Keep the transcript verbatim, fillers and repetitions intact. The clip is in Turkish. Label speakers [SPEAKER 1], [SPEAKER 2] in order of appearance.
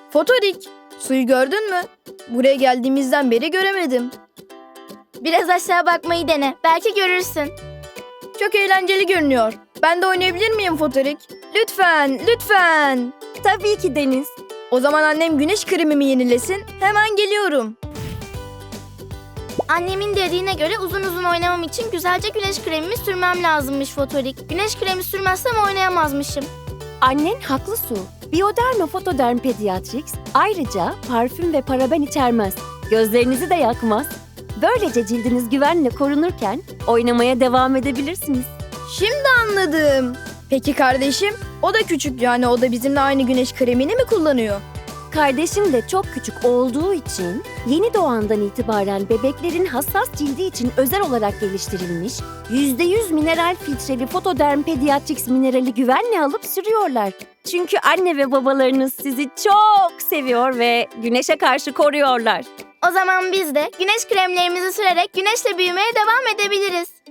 [SPEAKER 1] Fotorik, suyu gördün mü? Buraya geldiğimizden beri göremedim.
[SPEAKER 2] Biraz aşağı bakmayı dene. Belki görürsün.
[SPEAKER 1] Çok eğlenceli görünüyor. Ben de oynayabilir miyim Fotorik? Lütfen, lütfen.
[SPEAKER 3] Tabii ki Deniz.
[SPEAKER 1] O zaman annem güneş kremimi yenilesin. Hemen geliyorum.
[SPEAKER 2] Annemin dediğine göre uzun uzun oynamam için güzelce güneş kremimi sürmem lazımmış Fotorik. Güneş kremi sürmezsem oynayamazmışım.
[SPEAKER 3] Annen haklı Su. Bioderma Photoderm Pediatrics ayrıca parfüm ve paraben içermez. Gözlerinizi de yakmaz. Böylece cildiniz güvenle korunurken oynamaya devam edebilirsiniz.
[SPEAKER 1] Şimdi anladım. Peki kardeşim? O da küçük, yani o da bizimle aynı güneş kremini mi kullanıyor?
[SPEAKER 3] Kardeşim de çok küçük olduğu için yeni doğandan itibaren bebeklerin hassas cildi için özel olarak geliştirilmiş yüzde yüz mineral filtreli Photoderm Pediatrics minerali güvenle alıp sürüyorlar. Çünkü anne ve babalarınız sizi çok seviyor ve güneşe karşı koruyorlar.
[SPEAKER 2] O zaman biz de güneş kremlerimizi sürerek güneşle büyümeye devam edebiliriz.